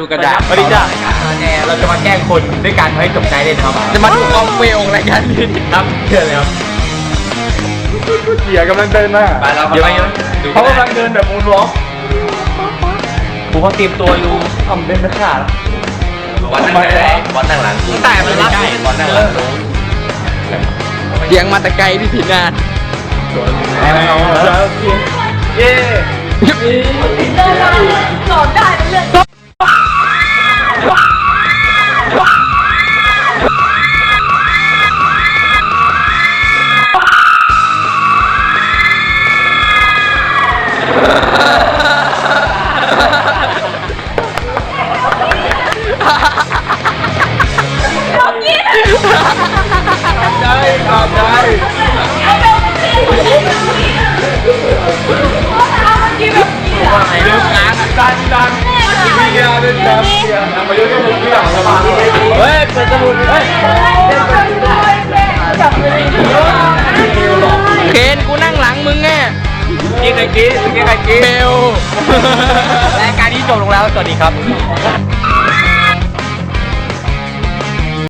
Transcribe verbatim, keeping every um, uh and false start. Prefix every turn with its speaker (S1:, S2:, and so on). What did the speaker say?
S1: ดูกระดาษ
S2: สวัสดีจ้ะ
S1: เราจะมาแกล้งคนด้วยการให้จบใจเลยนะครับ
S2: จะมาดูกองเฟลรายการนี้
S1: ครับเชิญเลยครับ
S3: เกียร์กำลังเดินมา
S1: ไปแล้วเดี๋ยวดู
S3: เขากำลังเดินแบบมูนวอล์ก
S1: ผมเขาเตรียมตัวอยู่
S3: ทำเป็นไม่ขาด
S1: บอลนั่งหลังบอลนั่งหลังแต่มันรับบอลนั่งหลัง
S2: เสียงมาแต่ไกลที่ผิดงาน
S3: เอาแล้วเย้
S4: เดินมาหลอดได้เป็นเรื่อง
S3: ได้ครับได้
S1: ว่าไงเรื่องงาน
S3: ดันดันมีเกียร์เดินดันเกียร์มาเยอะที่สุดที่หลังสบายเฮ้ยเปิดสมุดเฮ้ย
S2: เคนกูนั่งหลังมึงไง
S1: กินไอ้กี้กินไอ้กี้
S2: เบล
S1: รายการนี้จบลงแล้วสวัสดีครับ